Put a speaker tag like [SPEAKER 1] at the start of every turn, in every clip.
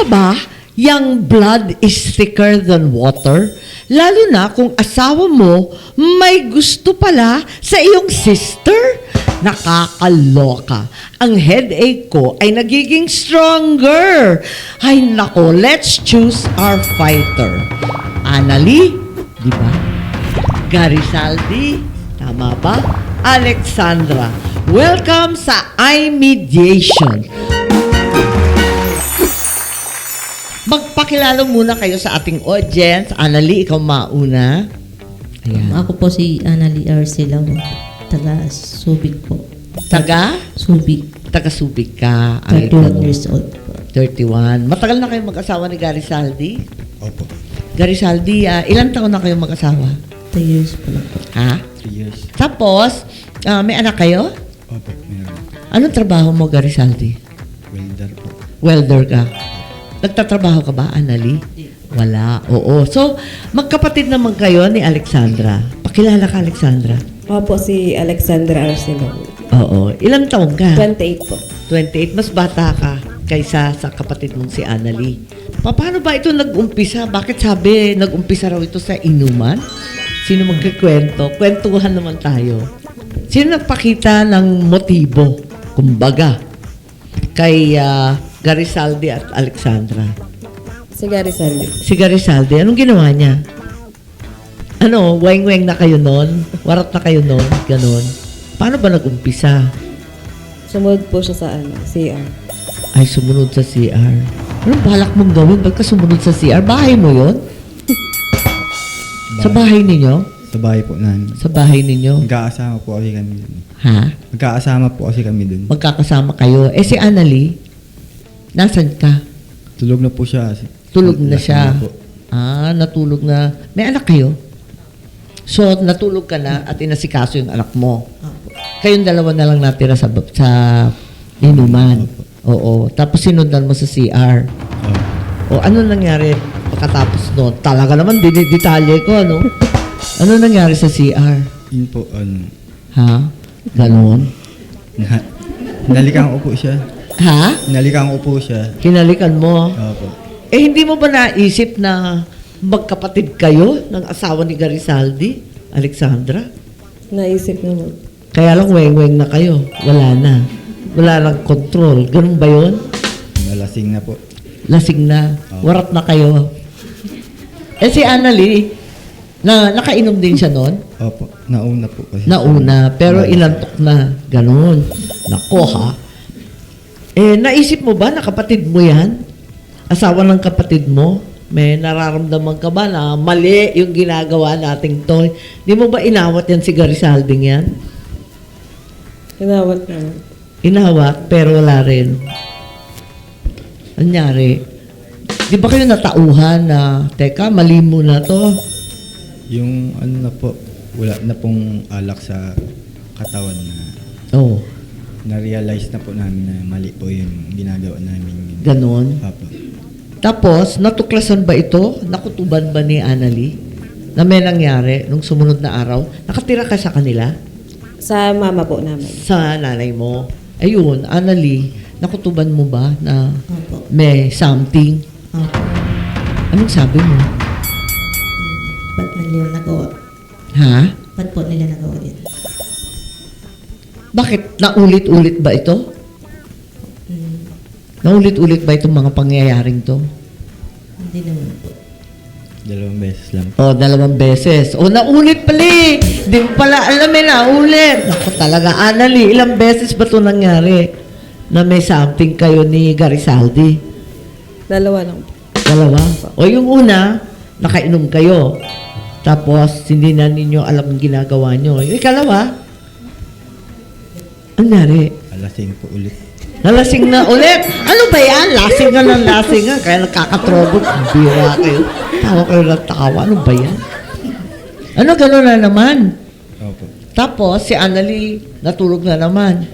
[SPEAKER 1] Tama ba, yung blood is thicker than water? Lalo na kung asawa mo may gusto pala sa iyong sister? Nakakaloka. Ang headache ko ay nagiging stronger. Ay nako, let's choose our fighter. Annalie, di ba? Garisaldi, tama ba? Alexandra, welcome sa iMediation. Magpakilala muna kayo sa ating audience. Annalie, ikaw mauna. Ayan.
[SPEAKER 2] Ako po si Annalie Arcelao, taga Subic po.
[SPEAKER 1] Taga?
[SPEAKER 2] Subic.
[SPEAKER 1] Taga Subic ka.
[SPEAKER 2] 31 years old po.
[SPEAKER 1] 31. Matagal na kayong mag-asawa ni Garisaldi?
[SPEAKER 3] Opo.
[SPEAKER 1] Garisaldi, ilang taon na kayong mag-asawa?
[SPEAKER 2] 2 years po lang po.
[SPEAKER 1] Ha?
[SPEAKER 3] 3 years.
[SPEAKER 1] Tapos, may anak kayo?
[SPEAKER 3] Opo, meron.
[SPEAKER 1] Anong trabaho mo, Garisaldi?
[SPEAKER 3] Welder po.
[SPEAKER 1] Welder ka. Nagtatrabaho ka ba, Annalie? Wala. Oo. So, magkapatid naman kayo ni Alexandra. Pakilala ka, Alexandra.
[SPEAKER 4] Ako po si Alexandra Arcelao.
[SPEAKER 1] Oo. Ilang taon ka?
[SPEAKER 4] 28 po.
[SPEAKER 1] 28. Mas bata ka kaysa sa kapatid mong si Annalie. Paano ba ito nag-umpisa? Bakit sabi nag-umpisa raw ito sa inuman? Sino magkikwento? Kwentuhan naman tayo. Sino nagpakita ng motibo? Kumbaga, kay Garisaldi at Alexandra.
[SPEAKER 4] Si Garisaldi.
[SPEAKER 1] Si Garisaldi, anong ginawa niya? Ano, weng-weng na kayo nun? Warat na kayo nun? Ganon. Paano ba nag-umpisa?
[SPEAKER 4] Sumunod po siya sa CR.
[SPEAKER 1] Ay, sumunod sa CR. Anong balak mong gawin? Ba't ka sumunod sa CR? Bahay mo yon? Sa bahay ninyo?
[SPEAKER 3] Sa bahay po namin.
[SPEAKER 1] Sa bahay ninyo?
[SPEAKER 3] Magkakasama po kasi kami dun.
[SPEAKER 1] Ha?
[SPEAKER 3] Magkakasama po kasi kami dun.
[SPEAKER 1] Magkakasama kayo. Eh si Annalie, nasan ka?
[SPEAKER 3] Tulog na po siya.
[SPEAKER 1] Tulog na
[SPEAKER 3] Lasing
[SPEAKER 1] siya.
[SPEAKER 3] po.
[SPEAKER 1] Natulog na. May anak kayo? So, natulog ka na at inasikaso yung anak mo. Kayong dalawa na lang natira sa inuman. Oo. Tapos sinundan mo sa CR. O ano nangyari pagkatapos noon? Talaga naman, detalye ko, ano? Ano nangyari sa CR?
[SPEAKER 3] Yun po,
[SPEAKER 1] Ha? Ganon?
[SPEAKER 3] nalikan ko po siya.
[SPEAKER 1] Ha?
[SPEAKER 3] Nalikan ko po siya.
[SPEAKER 1] Kinalikan mo?
[SPEAKER 3] Opo.
[SPEAKER 1] Eh, hindi mo ba naisip na magkapatid kayo ng asawa ni Garisaldi, Alexandra?
[SPEAKER 4] Naisip naman.
[SPEAKER 1] Kaya lang weng-weng na kayo. Wala na. Wala lang control. Ganun ba yun?
[SPEAKER 3] Nalasing na po.
[SPEAKER 1] Lasing na. Warat na kayo. Eh si Annalie, nakainom din siya noon?
[SPEAKER 3] Opo. Nauna po kasi.
[SPEAKER 1] Nauna. Pero ilantok na. Ganun. Nako ha. Eh, naisip mo ba na kapatid mo yan? Asawa ng kapatid mo? May nararamdaman ka ba na mali yung ginagawa nating to? Di mo ba inawat yan si Garisalding yan?
[SPEAKER 4] Hinawat naman.
[SPEAKER 1] Inawat, pero wala rin. Anyari? Di ba kayo natauhan na, teka, mali mo na to?
[SPEAKER 3] Yung na po, wala na pong alak sa katawan na
[SPEAKER 1] Oh,
[SPEAKER 3] na-realize na po namin na mali po yung ginagawa namin.
[SPEAKER 1] ganon.
[SPEAKER 3] Opo.
[SPEAKER 1] Tapos, natuklasan ba ito? Nakutuban ba ni Annalie? Na may nangyari nung sumunod na araw? Nakatira ka sa kanila?
[SPEAKER 4] Sa mama po namin.
[SPEAKER 1] Sa nanay mo? Ayun, Annalie, nakutuban mo ba na
[SPEAKER 2] Opo.
[SPEAKER 1] may something?
[SPEAKER 2] Opo.
[SPEAKER 1] Anong sabi mo?
[SPEAKER 2] Ba't nila nagawa?
[SPEAKER 1] Ha?
[SPEAKER 2] Ba't po nila nagawa yun?
[SPEAKER 1] Bakit? Naulit-ulit ba ito? Naulit-ulit ba itong mga pangyayaring to?
[SPEAKER 2] Hindi naman po.
[SPEAKER 3] 2 beses lang.
[SPEAKER 1] O, 2 beses. O, naulit pala eh. Di mo pala alam eh, naulit. Naku talaga, Annalie, ilang beses ba ito nangyari na may something kayo ni Garisaldi?
[SPEAKER 4] 2 lang po.
[SPEAKER 1] 2? O, yung una, nakainom kayo. Tapos, hindi na ninyo alam ang ginagawa nyo. Yung ikalawa, ang nangyari?
[SPEAKER 3] Alasing po ulit.
[SPEAKER 1] Nalasing na ulit. Ano ba yan? Lasing nga ng lasing nga. Kaya nagkakatrobot. Bira kayo. Tawa kayo ng tawa. Ano ba yan? Ano gano'n na naman?
[SPEAKER 3] Opo.
[SPEAKER 1] Tapos, si Annalie, natulog na naman.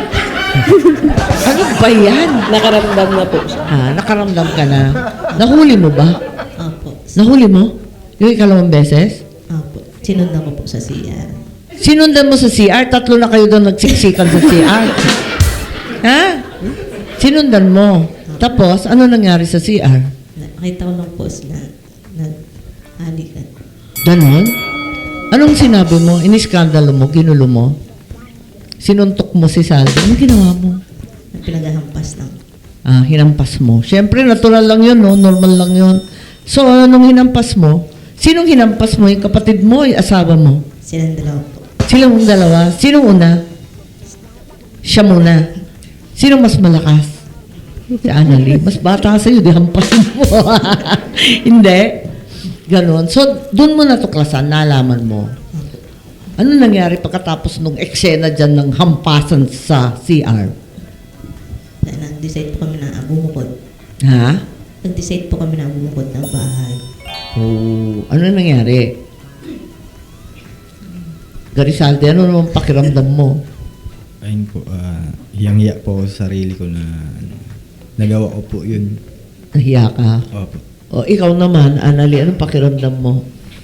[SPEAKER 1] Ano ba yan?
[SPEAKER 4] Nakaramdam na po siya.
[SPEAKER 1] Ha? Nakaramdam ka na. Nahuli mo ba?
[SPEAKER 2] Opo.
[SPEAKER 1] Nahuli mo? Yung 2 beses?
[SPEAKER 2] Opo. Sinundan ko po sa CR.
[SPEAKER 1] Sinundan mo sa CR? 3 na kayo doon nagsiksikan sa CR. Ha? Sinundan mo? Tapos, ano nangyari sa CR?
[SPEAKER 2] Nakita ko lang po sila nag-halikan.
[SPEAKER 1] Ganon? Anong sinabi mo? Iniskandalo mo? Ginulo mo? Sinuntok mo si Saldi? Anong ginawa mo?
[SPEAKER 2] Pinagahampas lang.
[SPEAKER 1] Hinampas mo. Siyempre, natural lang yun, no? Normal lang yun. So, anong hinampas mo? Sinong hinampas mo? Yung kapatid mo, yung asawa mo?
[SPEAKER 2] Silang dalawa po.
[SPEAKER 1] Silang dalawa? Sinong una? Siya muna. Sinong mas malakas? Si Annalie. Mas bata ka sa'yo, di hampasin mo. Hindi. Ganon. So, doon mo natuklasan, nalaman mo. Ano nangyari pagkatapos nung eksena dyan ng hampasan sa CR?
[SPEAKER 2] Nag-decide po kami na bumukod.
[SPEAKER 1] Ha?
[SPEAKER 2] Nag-decide po kami na bumukod ng bahay.
[SPEAKER 1] Oh, ano nangyari? Garisaldi, ano naman pakiramdam mo?
[SPEAKER 3] Ayun po, hiyang-hiya po ako sa sarili ko na nagawa ko po yun.
[SPEAKER 1] Nahiya ka?
[SPEAKER 3] Opo.
[SPEAKER 1] O, ikaw naman, Annalie, anong pakiramdam mo?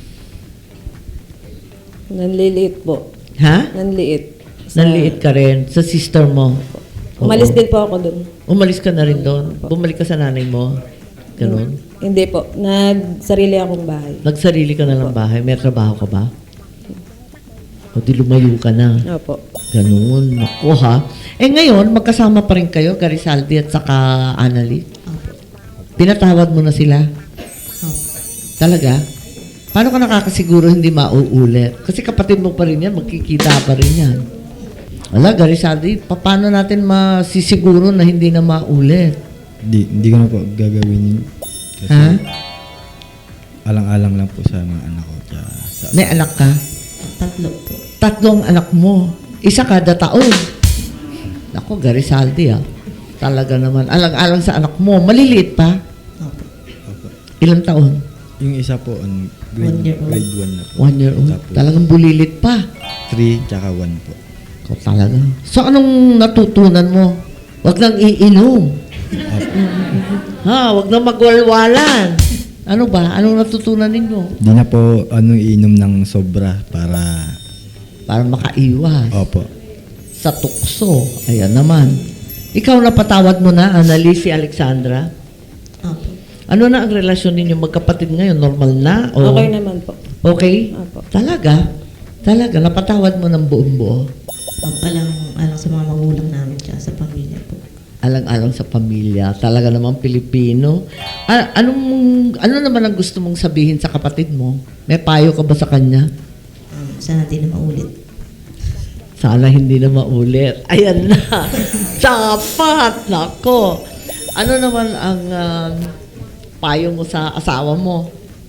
[SPEAKER 4] Nanliliit po.
[SPEAKER 1] Ha?
[SPEAKER 4] Nanliit.
[SPEAKER 1] Nanliit ka rin sa sister mo?
[SPEAKER 4] Umalis
[SPEAKER 1] Oo.
[SPEAKER 4] din po ako dun.
[SPEAKER 1] Umalis ka na rin doon? Bumalik ka sa nanay mo? Ganun?
[SPEAKER 4] Hindi po. Nagsarili akong bahay.
[SPEAKER 1] Nagsarili ka na ng bahay? May trabaho ka ba? O di lumayo ka na?
[SPEAKER 4] Opo.
[SPEAKER 1] Ganun. Naku ha. Eh ngayon, magkasama pa rin kayo, Garisaldi at saka Annalie?
[SPEAKER 2] Opo.
[SPEAKER 1] Pinatawad mo na sila?
[SPEAKER 2] Opo.
[SPEAKER 1] Talaga? Paano ka nakakasiguro hindi mauulit? Kasi kapatid mo pa rin yan, magkikita pa rin yan. Wala, Garisaldi, paano natin masisiguro na hindi na maulit?
[SPEAKER 3] Hindi ko na po gagawin yun. Kasi
[SPEAKER 1] Ha?
[SPEAKER 3] alang-alang lang po sa mga anak ko. Tsaka sa,
[SPEAKER 1] May anak ka?
[SPEAKER 2] 3 po.
[SPEAKER 1] 3 anak mo. Isa kada taon. Ako, Garisaldi Talaga naman. Alang-alang sa anak mo. Maliliit pa?
[SPEAKER 2] Opo.
[SPEAKER 3] Opo.
[SPEAKER 1] Ilang taon?
[SPEAKER 3] Yung isa po, grade
[SPEAKER 2] 1 year old.
[SPEAKER 3] 1 na po.
[SPEAKER 1] 1 year old.
[SPEAKER 3] Tapos,
[SPEAKER 1] Talagang bulilit pa.
[SPEAKER 3] 3 tsaka 1 po.
[SPEAKER 1] Ikaw talaga. So, anong natutunan mo? Huwag nang iinom. Huwag nang magwalwalan. Ano ba? Anong natutunan ninyo?
[SPEAKER 3] Di na po iinom ng sobra para...
[SPEAKER 1] Para makaiwas
[SPEAKER 3] Opo.
[SPEAKER 1] sa tukso. Ayan naman. Ikaw napatawad mo na, Annalie, si Alexandra?
[SPEAKER 2] Opo.
[SPEAKER 1] Ano na ang relasyon ninyo magkapatid ngayon? Normal na? O
[SPEAKER 4] Okay naman po.
[SPEAKER 1] Okay?
[SPEAKER 4] Opo.
[SPEAKER 1] Talaga? Talaga? Napatawad mo ng buong buo?
[SPEAKER 2] Alang sa mga magulang namin tsaka sa pamilya po.
[SPEAKER 1] Alang-alang sa pamilya. Talaga namang Pilipino. Ano naman ang gusto mong sabihin sa kapatid mo? May payo ka ba sa kanya?
[SPEAKER 2] Sana di na maulit.
[SPEAKER 1] Sana hindi na maulit. Ayan na. Dapat. Nako. Ano naman ang payo mo sa asawa mo?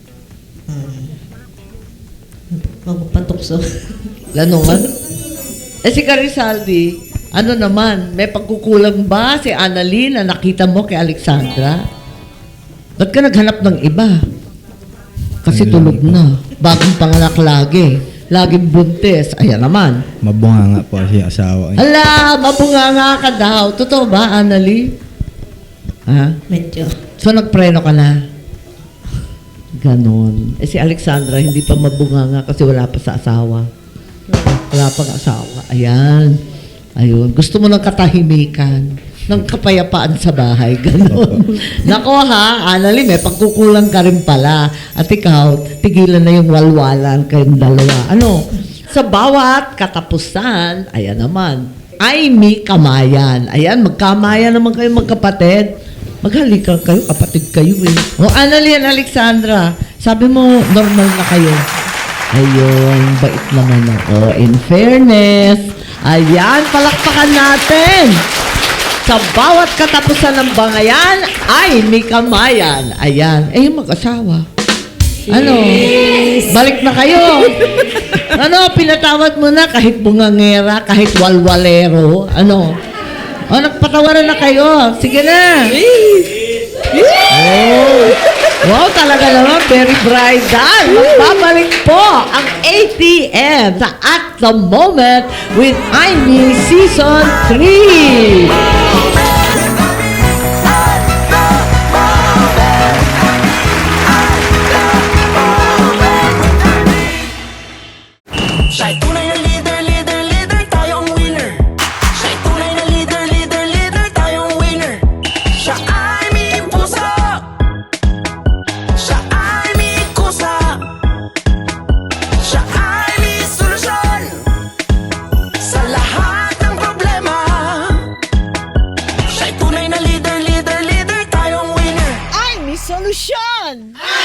[SPEAKER 2] Magpatukso.
[SPEAKER 1] Lanungan? Si Garisaldi, ano naman, may pagkukulang ba si Annalie na nakita mo kay Alexandra? Ba't ka naghanap ng iba? Kasi tulog na. Bagong panganak lagi. Laging buntis. Ayan naman.
[SPEAKER 3] Mabunga nga po kasi asawa.
[SPEAKER 1] Ala, mabunganga ka daw. Totoo ba, Annalie? Ha?
[SPEAKER 2] Medyo.
[SPEAKER 1] So, nagpreno ka na? Ganon. Si Alexandra, hindi pa mabunganga kasi wala pa sa asawa. Wala pang asawa. Ayan. Ayun. Gusto mo ng katahimikan, ng kapayapaan sa bahay. Ganon. Nako ha, Annalie, may pagkukulang ka rin pala. At ikaw, tigilan na yung walwalan kayong dalawa. Ano? Sa bawat katapusan, ayan naman, ay may kamayan. Ayan, magkamayan naman kayo magkapatid. Maghalikan kayo, kapatid kayo eh. O Annalie and Alexandra, sabi mo, normal na kayo. Ayun, bait naman ako. In fairness, ayan, palakpakan natin. Sa bawat katapusan ng bangayan, ay may kamayan. Ayan, yung mag-asawa. Ano? Balik na kayo. Ano, pinatawad mo na kahit bungangera, kahit walwalero. Ano? O, nagpatawaran na kayo. Sige na. Oh. Wow, talaga naman, very bridal. Magbabalik po ang ATM sa At The Moment with Aimee Season 3.
[SPEAKER 5] Siya'y tunay na leader, leader, leader, tayo ang winner. Siya'y tunay na leader, leader, leader, tayo ang winner. Siya ay
[SPEAKER 6] Revolution!